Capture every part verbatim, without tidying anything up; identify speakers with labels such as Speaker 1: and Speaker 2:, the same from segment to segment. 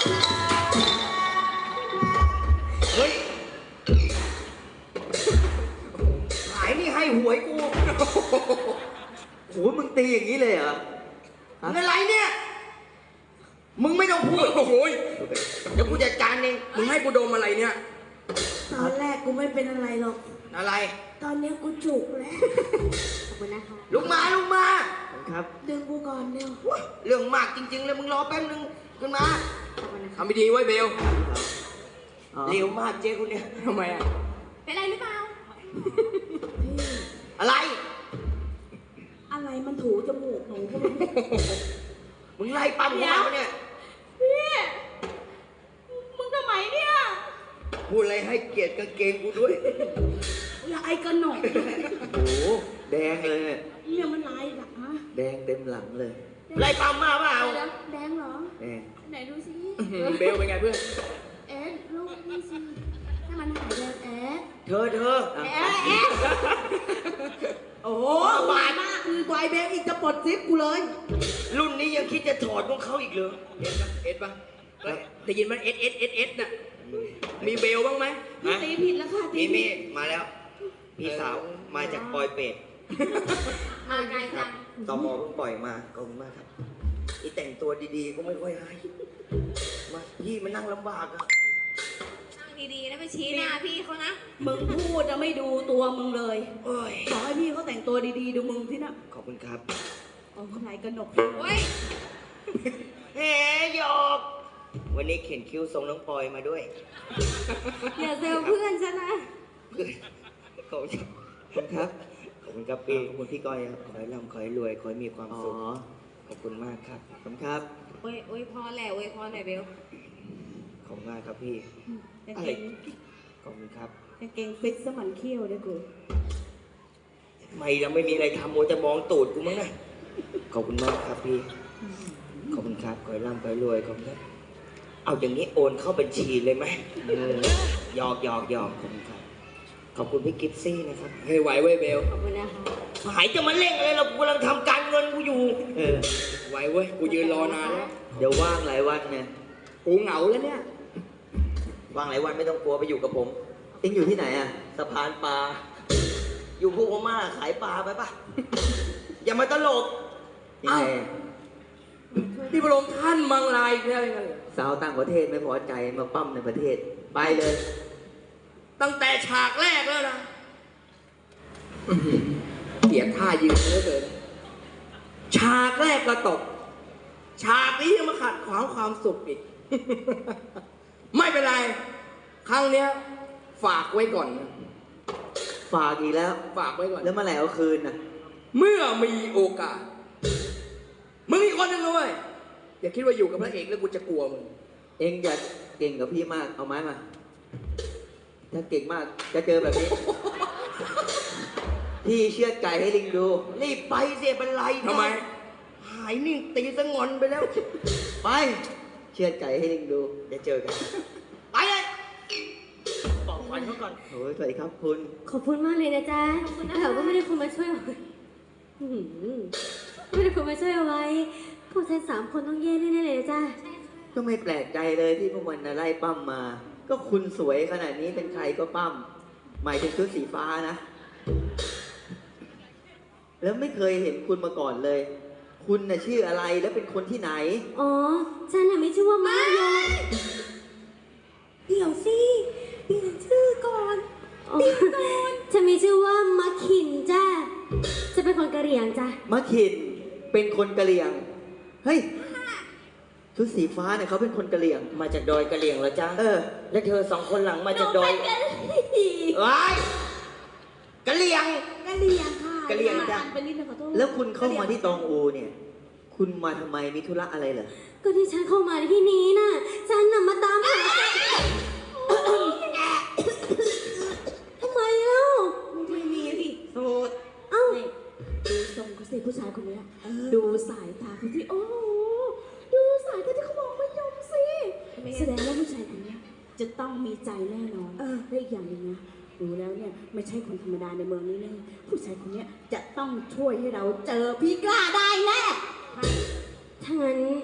Speaker 1: เฮ้ยหายนี่ให้หวยกูโหมึงตีอย่างนี้เลยเหรอมึงอะไรเนี่ยมึงไม่ต้องพูดโอ้โหเดี๋ยวกูจัดการเองมึงให้กูดมอะไรเนี่ย
Speaker 2: ตอนแรกกูไม่เป็นอะไรหรอก
Speaker 1: อะไร
Speaker 2: ตอนนี้กูจุกแล้วขอบคุณนะคะ
Speaker 1: ลุกมาลุกมาครับ
Speaker 2: ดึงกูก่อนเร็ว
Speaker 1: เรื่องมากจริงๆเลยมึงรอแป๊บนึงขึ้นมาทำไม่ดีไว้เบลเร็วมากเจ๊คุณเนี่ยทำไมอ่ะ
Speaker 2: เป็นอะไรหรือเปล่า
Speaker 1: อะไร
Speaker 2: อะไรมันถูจมูกหนูก็ไม่
Speaker 1: มึงไล่ปั๊มหัวเนี่ย
Speaker 2: พี่มึงทำไมเนี่ย
Speaker 1: พูดอะไรให้เกียรติกางเกงกูด้วย
Speaker 2: ลายกระหน่ำ
Speaker 1: โอ้โหแดงเลย
Speaker 2: เนี่ยมันลายหลังฮะ
Speaker 1: แดงเต็มหลังเลยไล่ปั๊มมาเปล่า
Speaker 2: แดงเหรอ
Speaker 1: แดง
Speaker 2: ไหนดูสิ
Speaker 1: เบลเป็นไงเพื่อน
Speaker 2: เอ็ดลูกนี่สิให้มันหายแดงเอ็ด
Speaker 1: เธอเธอ
Speaker 2: เอ็ดเอ็ดโอ้โหบาดมากคือไวเบลอีกจะปลดซิปกูเลย
Speaker 1: รุ่นนี้ยังคิดจะถอดของเขาอีกเหรอเอ็ดปะเอ็ดปะได้ยินมันเอ็ดเอ็ดเอ็ดเอ็ดน่ะมีเบลบ้างไหม
Speaker 2: พี่ตีผิดแล้วค่ะ
Speaker 1: มีมีมาแล้วพี่สาวมาจากปอยเป็ด
Speaker 2: มาไกลจัง
Speaker 1: ตอมอเพิ่งปล่อยมาขอบคุณมากครับอีแต่งตัวดีๆก็ไม่ค่อยให้มาพี่มันนั่งลำบากอะ
Speaker 2: นั่งดีๆนะไปชี้หน้าพี่เขานะมึงพูดจะไม่ดูตัวมึงเลยขอให้พี่เขาแต่งตัวดีๆดูมึงที่น่ะ
Speaker 1: ขอบคุณครับ
Speaker 2: โอ้คนไหนกระหนกโอ้ย
Speaker 1: เฮ้ยหยอกวันนี้เขียนคิ้วทรงน้องปอยมาด้วย
Speaker 2: อย่าเซลเพื่อนฉันนะ
Speaker 1: ขอบคุณครับขอบคุณครับพี่ขอบคุณพี่ก้อยครับขอให้ร่ำขอให้รวยขอให้มีความสุขขอบคุณมากครับขอบคุณครับ
Speaker 2: โอ้ยโอ้ยพอแหละโอ้ยพอหน่อยเบล
Speaker 1: ขอบคุณมากครับพี่อะไรขอบคุณครับ
Speaker 2: กางเกงฟิตสมันเขี้ยวด้วยกู
Speaker 1: ไม่เราไม่มีอะไรทำโมจะมองตูดกูมั้งนะขอบคุณมากครับพี่ขอบคุณครับขอให้ร่ำขอให้รวยขอบคุณครับเอาอย่างนี้โอนเข้าบัญชีเลยไหมหยอกหยอกหยอกขอบคุณครับขอบคุณพี่กิฟซี่นะครับเฮ้ยไหวเว้ยเบล
Speaker 2: ขอบคุณนะคะ
Speaker 1: หายจะมาเร่งอะไรเรากำลังทำการเงินกูอยู่เออไหวเว้ยกูยืนรอนานแล้วเดี๋ยวว่างหลายวันเนี่ยกูเหงาแล้วเนี่ยว่างหลายวันไม่ต้องกลัวไปอยู่กับผมเอ็งอยู่ที่ไหนอะสะพานปลาอยู่พวกพม่าขายปลาไปปะอย่ามาตลกยังไงที่พระองค์ท่านมังลายแค่ไหนสาวต่างประเทศไม่พอใจมาปั้มในประเทศไปเลยตั้งแต่ฉากแรกแล้วนะเสียท่ายืนเหลือเกินฉากแรกก็ตกฉากนี้ยังมาขัดขวางความสุขอีกไม่เป็นไรครั้งเนี้ยฝากไว้ก่อนนะฝากอีกแล้วฝากไว้ก่อนแล้วเมื่อไหร่เอาคืนนะเมื่อมีโอกาสมึงอีกคนนึงเลยอย่าคิดว่าอยู่กับพระเอกแล้วกูจะกลัวมึงเองอย่าเก่งกับพี่มากเอาไม้มาถ้าเก่งมากจะเจอแบบนี้พี่เชือดไก่ให้ลิงดูรีบไปเสียเป็นไรทำไมหายนิ่งตีสงอนไปแล้วไปเชือดไก่ให้ลิงดูเดี๋ยวเจอกันไปเลยบอกควันเขาก่อนโอ้ยสวัสดีครับคุณ
Speaker 2: ขอบคุณมากเลยนะจ๊ะแต่ว่าไม่ได้คนมาช่วยไม่ได้คนมาช่วยเอาไว้พวกฉันสามคนต้องแย่แน่ๆเลยจ้ะ
Speaker 1: ก็ไม่แปลกใจเลยที่พวกมันไล่ปั้มมาก็คุณสวยขนาดนี้เป็นใครก็ปั้มหมายถึงชุดสีฟ้านะแล้วไม่เคยเห็นคุณมาก่อนเลยคุณน่ะชื่ออะไรและเป็นคนที่ไหน
Speaker 2: อ๋อฉันน่ะไม่ชื่อว่ามายงเดี๋ยวสิเปลี่ยนชื่อก่อนเปลี่ยนก่อนฉันมีชื่อว่ามะขินจ้ะจะเป็นคนกะเหรี่ยงจ้ะ
Speaker 1: มะขินเป็นคนกะเหรี่ยงเฮ้ยชุดสีฟ้าเนี่ยเขาเป็นคนกะเหรี่ยงมาจากดอยกะเหรี่ยงเหรอจ๊ะเออแล้วเธอสองคนหลังมาจากดอยว้ายกะเหรี่ยง
Speaker 2: กะเหรี่ยงค่ะ
Speaker 1: กะเหรี่ยงจ้ะ
Speaker 2: เป็นนิดนึงขอโทษ
Speaker 1: แล้วคุณเข้ามาที่ตองอูเนี่ยคุณมาทำไมมีธุระอะไรเหรอ
Speaker 2: ก็ที่ฉันเข้ามาที่นี้น่ะฉันน่ะมาตามหาทำไมเล่าไม่มีสิโสดเอ้าดูทรงเขาสิผู้ชายคนนี้ดูสายตาเขาที่โอ้ดูสายตาที่เขามองไม่ยอมสิแสดงว่าผู้ชายคนนี้จะต้องมีใจแน่นอนและอีกอย่างหนึ่งนะดูแล้วเนี่ยไม่ใช่คนธรรมดาในเมืองนี้แน่ผู้ชายคนนี้จะต้องช่วยให้เราเจอพี่กล้าได้แน่ถ้างั้นม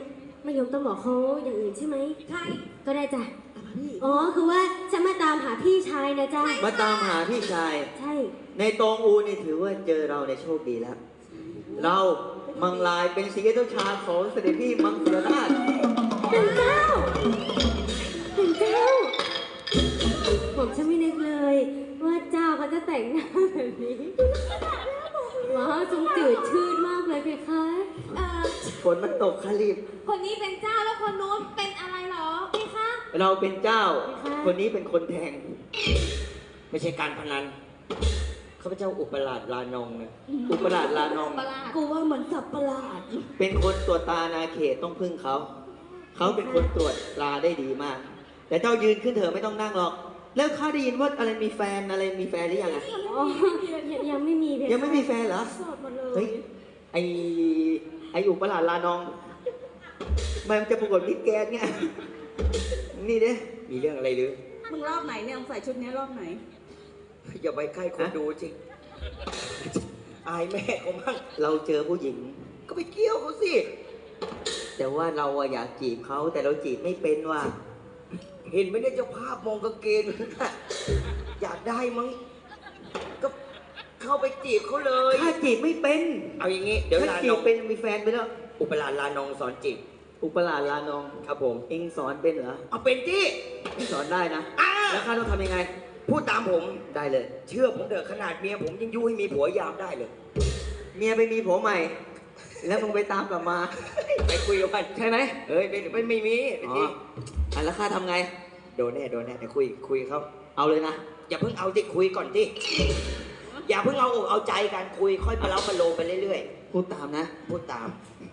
Speaker 2: ไม่ยอมต้องบอกเขาอย่างอื่นใช่ไหม
Speaker 3: ใช่
Speaker 2: ก็ได้จ้ะ
Speaker 3: แต่ว่าพี่
Speaker 2: อ๋อคือว่าฉันมาตามหาพี่ชายนะจ๊ะ
Speaker 4: มาตามหาพี่ชาย
Speaker 2: ใช่
Speaker 4: ในตองอูนี่ถือว่าเจอเราในโชคดีแล้ว เรามังลายเป็นสีเจ้าชาของเสด็จพี่มังสวิราช
Speaker 2: เป็นเจ้าเป็นเจ้า ผมฉันไม่นึกเลย ว่าเจ้าเขาจะแต่งหน้าแบบนี้ว้าวทรงจืดชืดมากเลยเพคะ
Speaker 3: เอ่อ
Speaker 4: ฝนมันตกคารีบ
Speaker 3: คนนี้เป็นเจ้าแล้วคนนู้นเป็นอะไรเหรอพี่คะ
Speaker 4: เราเป็นเจ้า คนนี้เป็นคนแทง
Speaker 1: ไม่ใช่การพนัน
Speaker 4: ข้าพเจ้าอุปราชลานองนะอุปราชลานอง
Speaker 3: ประหลาด
Speaker 2: กูว่าเหมือนสับประหลาด
Speaker 4: เป็นคนตรวจตานาเขตต้องพึ่งเขา เขาเป็นคนตรวจตราได้ดีมาก แต่เจ้ายืนขึ้นเถอะไม่ต้องนั่งหรอก แล้วข้าได้ยินว่าอะไรมีแฟนอะไรมีแฟนหรือยังอะ
Speaker 2: อ๋อยังยังไม่มีเพคะ
Speaker 4: ยังไม่มีแฟนเหรอ
Speaker 2: โสดหมดเล
Speaker 4: เฮ้
Speaker 2: ย
Speaker 4: ย ไอไออุปราชลานอง มันจะประกวดมิสแกรนด์ไง นี่เด้
Speaker 1: มีเรื่องอะไรหรือ
Speaker 3: มึงรอบไหนเนี่ยมึงใส่ชุดเนี้ยรอบไหน
Speaker 1: อย่าไปใกล้คนดูจริง อายแม่เขามั่ง
Speaker 4: เราเจอผู้หญิง
Speaker 1: ก็ไปเกี่ยวเขาสิ
Speaker 4: แต่ว่าเราอะอยากจีบเขาแต่เราจีบไม่เป็นว่ะ
Speaker 1: เห็นไหมเนี่ยเจ้าภาพมองกางเกงน่ะอยากได้มั้ง ก็เข้าไปจีบเขาเลย
Speaker 4: ถ้าจีบไม่เป็น
Speaker 1: เอาอย่างงี้ เดี๋ยว
Speaker 4: ถ้า
Speaker 1: ลา
Speaker 4: จี
Speaker 1: น
Speaker 4: บ
Speaker 1: อง
Speaker 4: เป็นมีแฟนไปแล้ว
Speaker 1: อุปราชลานองสอนจีบ
Speaker 4: อุปราชลานอง
Speaker 1: ครับผม
Speaker 4: เองสอนเป็นเหรอ
Speaker 1: เอาเป็นที่
Speaker 4: เองสอนได้นะ
Speaker 1: อ่า
Speaker 4: แล้วข้าต้องทำยังไง
Speaker 1: พูดตามผม
Speaker 4: ได้เลย
Speaker 1: เชื่อผมเถอะขนาดเมียผมยังยุให้มีผัวยามได้เลย
Speaker 4: เมียไปมีผัวใหม่ แล้วมึงไปตามกลับมา
Speaker 1: ไปคุยกับมัน
Speaker 4: ใช่ไหม
Speaker 1: เอ้ยไม่ไม่ไม่มีไม่
Speaker 4: อ๋อ
Speaker 1: จริง
Speaker 4: อ่ะแล้วข้าทำไง
Speaker 1: โดนแน่โดนแน่เดี๋ยวคุยคุยเขา
Speaker 4: เอาเลยนะ
Speaker 1: อย่าเพิ่งเอาที่คุยก่อนที่อย่าเพิ่งเอาอกเอาใจกันคุยค่อยประเล้าประโลมไปเรื่อย
Speaker 4: พูดตามนะ
Speaker 1: ๆพูดตาม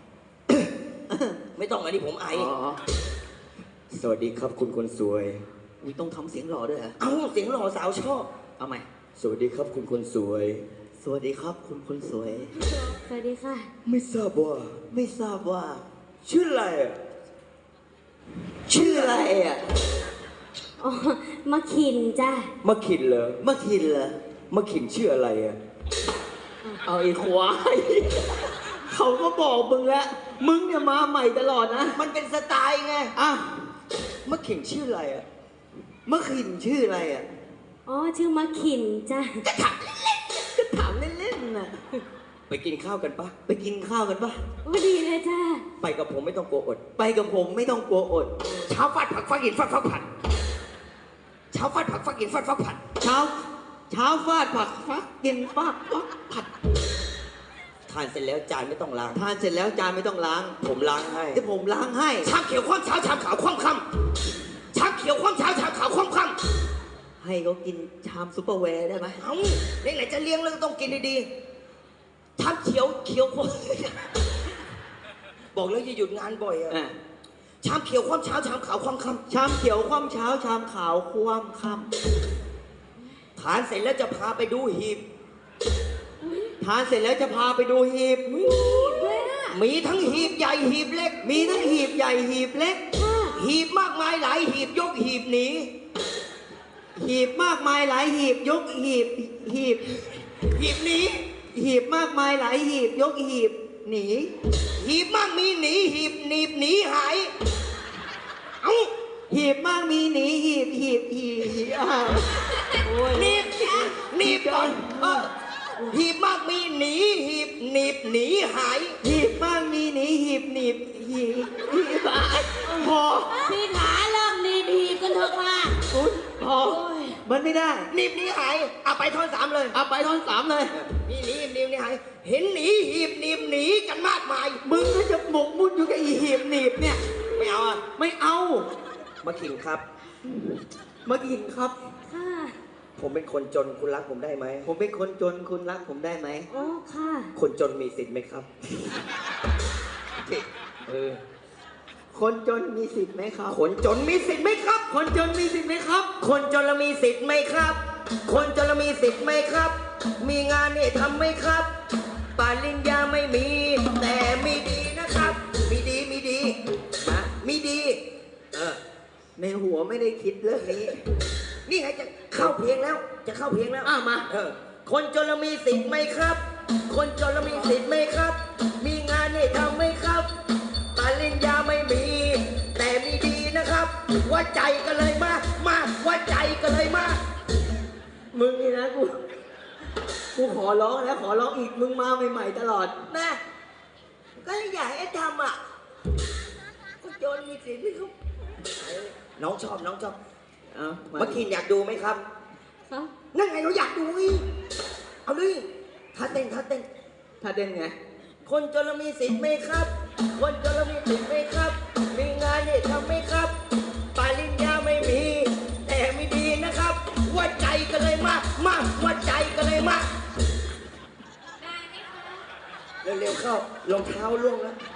Speaker 1: ไม่ต้องอันนี้ผมไอ
Speaker 4: อ๋อ
Speaker 1: สวัสดีครับคุณคนสวย
Speaker 4: มีต้องทำเสียงหล่อด้วยเหรอ
Speaker 1: เอ้าเสียงหล่อสาวชอบ
Speaker 4: เอาใหม่
Speaker 1: สวัสดีครับคุณคนสวย
Speaker 4: สวัสดีครับคุณคนสวย
Speaker 2: สวัสดีค่ะ
Speaker 1: ไม่ทราบว่า
Speaker 4: ไม่ทราบว่า
Speaker 1: ชื่ออะไรอะ
Speaker 4: ชื่ออะไรอ่ะ
Speaker 2: อ๋อมาขินจ้ะ
Speaker 1: มะขินเหรอ
Speaker 4: มะคินเหรอ
Speaker 1: มะขินชื่ออะไรอะ
Speaker 4: เอาไอ้ควาย เขาก็บอกมึงแล้ว มึงเนี่ยมาใหม่ตลอดนะ
Speaker 1: มันเป็นสไตล์ไง
Speaker 4: อ่ะ
Speaker 1: มะขินชื่ออะไรอะ
Speaker 4: มะขินชื่ออะไรอ่ะ
Speaker 2: อ๋อชื่อมาขินจ้ะ
Speaker 4: ก็ถามเล่นๆน่ะ
Speaker 1: ไปกินข้าวกันปะ
Speaker 4: ไปกินข้าวกันปะ
Speaker 2: โอ้ดีเลยจ้ะ
Speaker 1: ไปกับผมไม่ต้องกลัวอด
Speaker 4: ไปกับผมไม่ต้องกลัวอด
Speaker 1: เช้าฟาดผักฟักกินฟาดฟักผัดเช้าฟาดผักฟักกินฟาดฟักผัด
Speaker 4: เช้า เช้าฟาดผักฟักกินฟาดฟักผัด
Speaker 1: ทานเสร็จแล้วจานไม่ต้องล้าง
Speaker 4: ทานเสร็จแล้วจานไม่ต้องล้าง
Speaker 1: ผมล้างให้
Speaker 4: เดี๋ยวผมล้างให้
Speaker 1: ชามเขียวคว่ำเช้าชามขาวคว่ำค่ำชามเขียวคว่ำเช้าชามขาวคว่ำค่ำ
Speaker 4: ให้เขากินชามซุปเปอร์แวร์ได้ไหม
Speaker 1: เอ้าไหนๆจะเลี้ยงแล้วก็ต้องกินดีๆชามเขียวเขียวคว่ำบอกแล้วอย่าหยุดงานบ่อยอะ
Speaker 4: อ่ะ
Speaker 1: ชามเขียวคว่ำเช้าชามขาวคว่ำค่
Speaker 4: ชามเขียวคว่ำเช้า ชามขาวคว่ำค่
Speaker 1: ำทานเสร็จแล้วจะพาไปดูหีบ
Speaker 4: ำทานเสร็จแล้วจะพาไปดูหีบ
Speaker 2: ด้วยอ่ะ
Speaker 1: มีทั้งหีบใหญ่หีบเล็ก
Speaker 4: มีทั้งหีบใหญ่หีบเล็ก
Speaker 2: ค่ะ
Speaker 1: หีบมากมายหลายหีบยกหีบหนี
Speaker 4: หีบมากมายหลายหีบยกหีบหีบ
Speaker 1: หีบหนี
Speaker 4: หีบมากมายหลายหีบยกหีบหนี
Speaker 1: หีบมากมีหนีหีบหนีบหนีหายเอ้า
Speaker 4: หีบมากมีหนีหีบหีบหีบหีบอ้าวโอ้ย
Speaker 1: หนีบหนีบก่อนเออหีบมากมีหนีหีบหนีบหนีหาย
Speaker 4: หีบมากมีหนีหีบหนีบหีบหีบอ่ะพอ
Speaker 2: พี่ขาเริ่มดีดีกันเถอะค่ะ
Speaker 4: อุ๊ยพอมันไม่ได้
Speaker 1: หนีบหนีหายเอาไปท่อนสามเลย
Speaker 4: เอาไปท่อนสามเลย
Speaker 1: มีหนีหนีบหนีหายเห็นหนีหีบหนีบหนีกันมากมาย
Speaker 4: มึงก็จะหมกมุ่นอยู่กับอีหีบหนีบเนี่ย
Speaker 1: ไม่เอาอ่ะ
Speaker 4: ไม่เอา
Speaker 1: มาขิงครับ
Speaker 4: มากินครับ
Speaker 2: ค่ะ
Speaker 1: ผมเป็นคนจนคุณรักผมได้ไหม
Speaker 4: ผมเป็นคนจนคุณรักผมได้ไหม
Speaker 2: โอ้ค่ะ
Speaker 1: คนจนมีสิทธิ์ไหมครับเออ
Speaker 4: คนจนมีสิทธิ์ไหมครับ
Speaker 1: คนจนมีสิทธิ์ไหมครับ
Speaker 4: คนจนมีสิทธิ์ไหมครับ
Speaker 1: คนจนเรามีสิทธิ์ไหมครับ คนจนเรามีสิทธิ์ไหมครับ มีงานนี่ทำไหมครับปริญญาไม่มี แต่มีดีนะครับ มีดีมีดีนะมีดี เออ
Speaker 4: ในหัวไม่ได้คิดเรื่องนี้
Speaker 1: นี่ไงจะเข้าเพลงแล้ว จะเข้าเพลงแล้ว
Speaker 4: อ้าวมา
Speaker 1: เออ คนจนเรามีสิทธิ์ไหมครับ คนจนเรามีสิทธิ์ไหมครับ มีงานนี่ทำไหมครับปริญญาไม่มีว่าใจกันเลยมา มาว่าใจกันเลยมา
Speaker 4: มึงนี่นะกู กูขอร้องแล้วขอร้องอีก มึงมาใหม่ๆตลอด
Speaker 1: แม่ก็อยากให้ทำอ่ะก็โจนมีสิทธิ์ที่เขาน้องชอบน้องชอบ
Speaker 4: เอามา
Speaker 1: เมื่อกี้อยากดูไหมครับ
Speaker 2: ครับ
Speaker 1: นั่นไงเราอยากดูอีกเอาดิท่าเต้นท่าเต้น
Speaker 4: ถ้าเต้นไง
Speaker 1: คนจนเรามีสิทธิ์ไหมครับ คนจนเรามีสิทธิ์ไหมครับ มีงานเนี่ยทำไหมครับปริญญาไม่มี แต่ไม่ดีนะครับ ว่าใจกันเลยมา มาว่าใจกันเลยมา
Speaker 3: ได้ไหมคะ
Speaker 1: เร็วๆเข้ารองเท้าล่วงแล้ว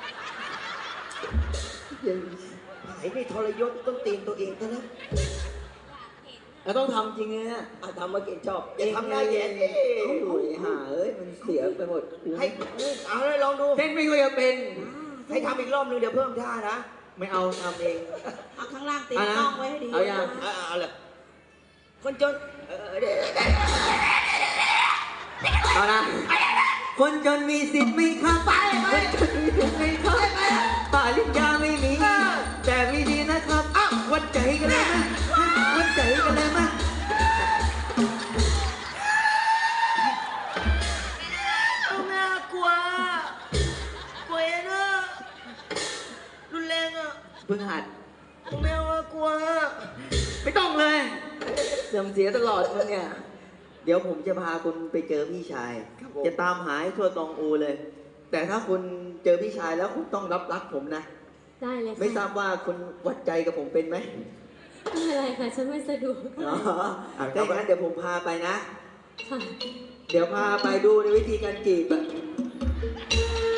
Speaker 1: ไอ้นี่ทรยศต้นตีนตัวเองซะแล้ว
Speaker 4: แล้วต้องทำจริงเลยนะ
Speaker 1: อ่ะทำมาเก่งชอบอย่าทำหน้าแย่ดิ
Speaker 4: โอ้ยห่าเอ้ย มันเสียไปหมดกู
Speaker 1: ให้เอาเลยลองดู
Speaker 4: เต้นไม่ค่อยจะเป็น
Speaker 1: ให้ทำอีกรอบนึงเดี๋ยวเพิ่มท่านะ
Speaker 4: ไม่เอาทำเอง
Speaker 2: เอาข้างล่างติด
Speaker 4: เอานะ
Speaker 2: กล้องไว้ให้ดี
Speaker 4: เอายัง
Speaker 1: เอาเอาเลยคนจนเออเดี๋ยว
Speaker 4: เอานะ คนจนมีสิทธิ์ไหมครับ
Speaker 1: ไปไป
Speaker 4: คนจนมีสิทธิ์ไหมครับปริญญาไม่มี แต่ไม่ดีนะครับอ้าววัดใจกันเลยมั้ยวัดใจกันเลยมั้ย
Speaker 1: เอาแม่กลัวกลัวเองอะรุนแรงอะ
Speaker 4: เพิ่งหัด
Speaker 1: แม่ว่ากลัว
Speaker 4: ไม่ต้องเลยเสื่อมเสียตลอดมึงเนี่ย เดี๋ยวผมจะพาคุณไปเจอพี่ชาย จะตามหาให้ทั่วตองอูเลย แต่ถ้าคุณเจอพี่ชายแล้วคุณต้องรับรักผมนะ
Speaker 2: ได้เลยค่ะ
Speaker 4: ไม่ทราบว่าคุณวัดใจกับผมเป็นไหม
Speaker 2: ไม่เป็นไรค่ะ ฉันไม่สะดวก
Speaker 4: อ๋อถ้าอย่างนั้นเดี๋ยวผมพาไปนะ
Speaker 2: ค่ะ
Speaker 4: เดี๋ยวพาไปดูในวิธีการจีบอะ